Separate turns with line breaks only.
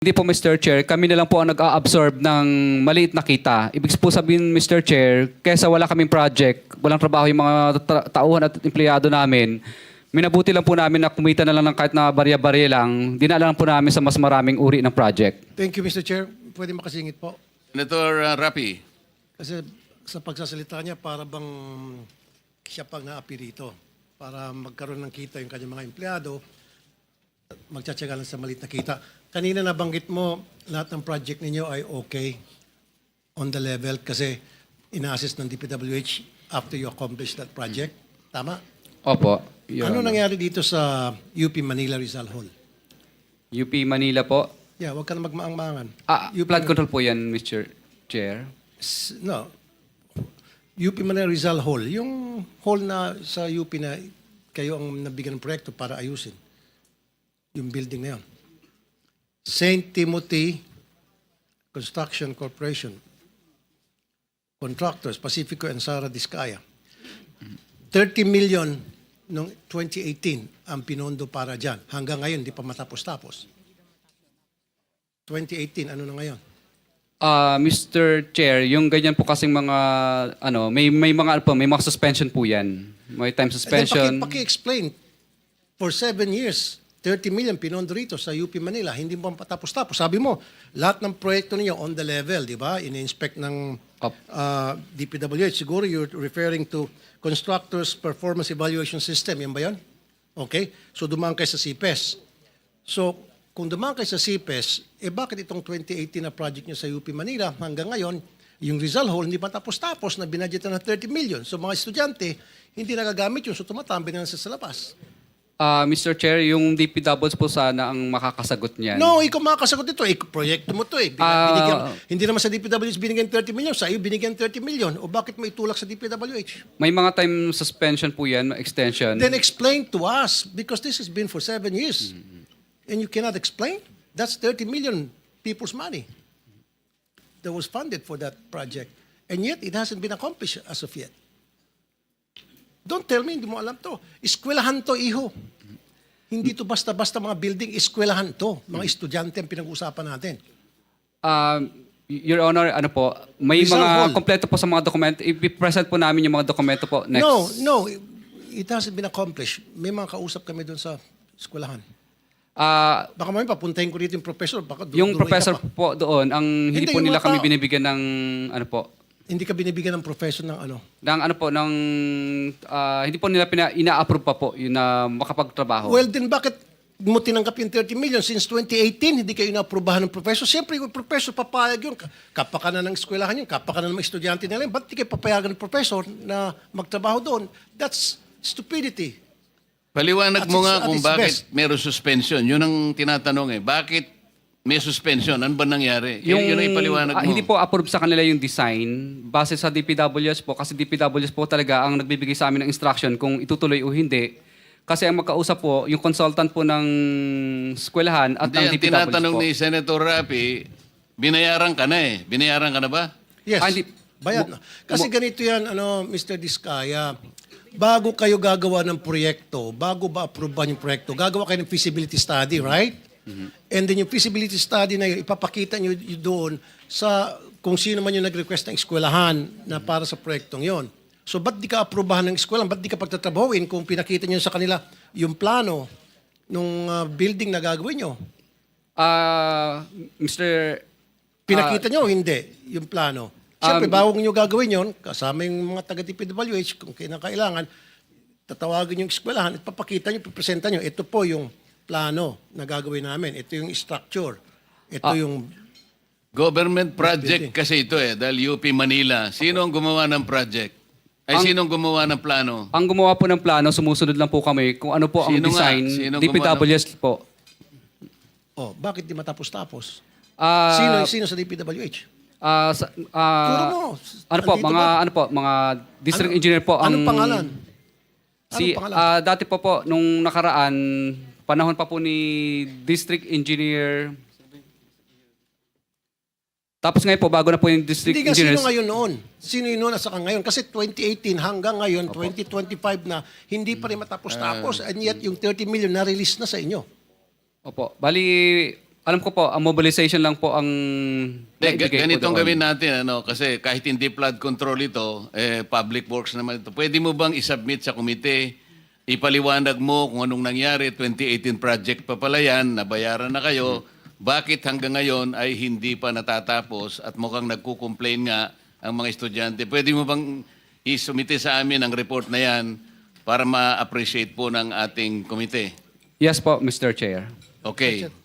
Hindi po, Mr. Chair. Kami na lang po ang nag-a-absorb ng maliit na kita. Ibig po sabihin, Mr. Chair, kesa wala kaming project, walang trabaho yung mga tauhan at empleyado namin, minabuti lang po namin na kumita na lang ng kahit na barya-barya lang, dinala lang po namin sa mas maraming uri ng project.
Thank you, Mr. Chair. Pwede makasingit po.
Senator Rapi.
Kasi sa pagsasalita niya, para bang siya pang naapi rito. Para magkaroon ng kita yung kanyang mga empleyado, magtsatsaga lang sa maliit na kita. Kanina nabanggit mo, lahat ng project ninyo ay okay on the level kasi ina-assist ng DPWH after you accomplish that project. Tama?
Opo. Your
Ano
Honor.
nangyari dito sa UP Manila Rizal Hall?
UP Manila po.
Yeah, huwag ka na magmaang-maangan.
Flood control po yan, Mr. Chair.
No. UP Manila Rizal Hall. Yung hall na sa UP na kayo ang nabigyan ng proyekto para ayusin. Yung building na yun. St. Timothy Construction Corporation. Contractors, Pacifico and Sara Discaya. 30 million noong 2018 ang pinondo para dyan. Hanggang ngayon, di pa matapos-tapos. 2018, ano na ngayon?
Mr. Chair, yung ganyan po kasing mga may mga suspension po yan. May time suspension.
Paki-explain. For 7 years, 30 million pinondo rito sa UP Manila, hindi mo patapos-tapos. Sabi mo, lahat ng proyekto ninyo on the level, di ba? In-inspect ng DPWH. Siguro you're referring to Constructors Performance Evaluation System. Yan ba yan? Okay. So dumaan kayo sa CPES. So kung dumaan kayo sa CPES, bakit itong 2018 na project nyo sa UP Manila hanggang ngayon, yung Rizal Hall hindi pa tapos-tapos na binadgetan ng 30 million. So mga estudyante, hindi nagagamit yun. So tumatambi na sa labas.
Mr. Chair, yung DPWs po sana ang makakasagot niyan.
No, ikaw makakasagot ito. Proyekto mo to eh. Hindi naman sa DPWH binigyan 30 million. Sa iyo binigyan 30 million. O bakit mo itulak sa DPWH?
May mga time suspension po yan, extension.
Then explain to us because this has been for 7 years. And you cannot explain? That's 30 million people's money that was funded for that project. And yet, it hasn't been accomplished as of yet. Don't tell me, hindi mo alam to. Eskwelahan to, iho. Hindi to basta-basta mga building, eskwelahan to. Mga estudyante ang pinag-uusapan natin.
Your Honor, ano po, may
Rizal
mga
Hall.
kompleto po sa mga dokumento. I-present po namin yung mga dokumento po next.
No, it hasn't been accomplished. May mga kausap kami doon sa eskwelahan. Baka mamaya papuntahin ko dito yung professor. Baka
Yung
duruin ka
professor
pa.
po doon, ang hindi
Hindi,
po
yung
nila
mga
kami
tao-
binibigyan ng ano po,
Hindi ka binibigyan ng professor ng ano.
hindi po nila ina-approve pa po yun na makapagtrabaho.
Well, then bakit mo tinanggap yung 30 million since 2018, hindi kayo inaaprubahan ng professor? Siyempre, yung professor papayag yun. Kapakanan ng eskwelahan yun, kapakanan ng mga estudyante nila yun. Ba't di kayo papayagan ng professor na magtrabaho doon? That's stupidity.
Paliwanag
At
mo
its-
nga
at
kung
its
bakit
best.
meron suspension. Yun ang tinatanong eh. Bakit may suspension? Ano ba nangyari? Yun ang ipaliwanag mo.
Hindi po approve sa kanila yung design base sa DPWS po kasi DPWS po talaga ang nagbibigay sa amin ng instruction kung itutuloy o hindi. Kasi ang magkausap po, yung consultant po ng eskwelahan at ng
Hindi, ang
DPWS
tinatanong
po.
ni Senator Rapi, binayaran ka na eh. Binayaran ka na ba?
Yes,
hindi.
bayad na. Kasi ganito yan, Mr. Diskaya, bago kayo gagawa ng proyekto, bago ba approvean yung proyekto, gagawa kayo ng feasibility study, right? And then yung feasibility study na yun, ipapakita nyo doon sa kung sino man yung nag-request ng eskwelahan na para sa proyektong yon. So ba't di ka aprubahan ng eskwelahan? Ba't di ka pagtatrabahuin kung pinakita nyo sa kanila yung plano nung building na gagawin nyo?
Mr.
Pinakita nyo o hindi yung plano? Siyempre, bago nyo gagawin yon, kasama yung mga taga-DPWH, kung kailangan, tatawagin yung eskwelahan, at papakita nyo, pipresenta nyo, ito po yung plano na gagawin namin. Ito yung structure. Ito yung...
Government project kasi ito eh, dahil UP Manila. Sino ang gumawa ng project? Sino ang gumawa ng plano?
Ang gumawa po ng plano, sumusunod lang po kami kung ano po ang
Sino nga?
design.
Sino
DPWS po.
Oh, bakit di matapos-tapos?
Ah,
Sino sa DPWH?
Turo
mo.
Ano po, mga district engineer po ang
Anong pangalan?
Si
Anong pangalan?
dati po nung nakaraan panahon pa po ni district engineer. Tapos ngayon po bago na po yung district
Hindi nga,
engineers.
sino ngayon noon? Sino yun noon at saka ngayon? Kasi 2018 hanggang ngayon, 2025 na, hindi pa rin matapos-tapos. And yet, yung 30 million na-release na sa inyo.
Opo. Bali Alam ko po, ang mobilization lang po ang naibigay po
Ganitong
doon.
gawin natin, kasi kahit hindi flood control ito, public works naman ito. Pwede mo bang isubmit sa komite, ipaliwanag mo kung anong nangyari, 2018 project pa pala yan, nabayaran na kayo, bakit hanggang ngayon ay hindi pa natatapos at mukhang nagko-complain nga ang mga estudyante. Pwede mo bang isumite sa amin ang report na yan para ma-appreciate po ng ating komite?
Yes po, Mr. Chair.
Okay.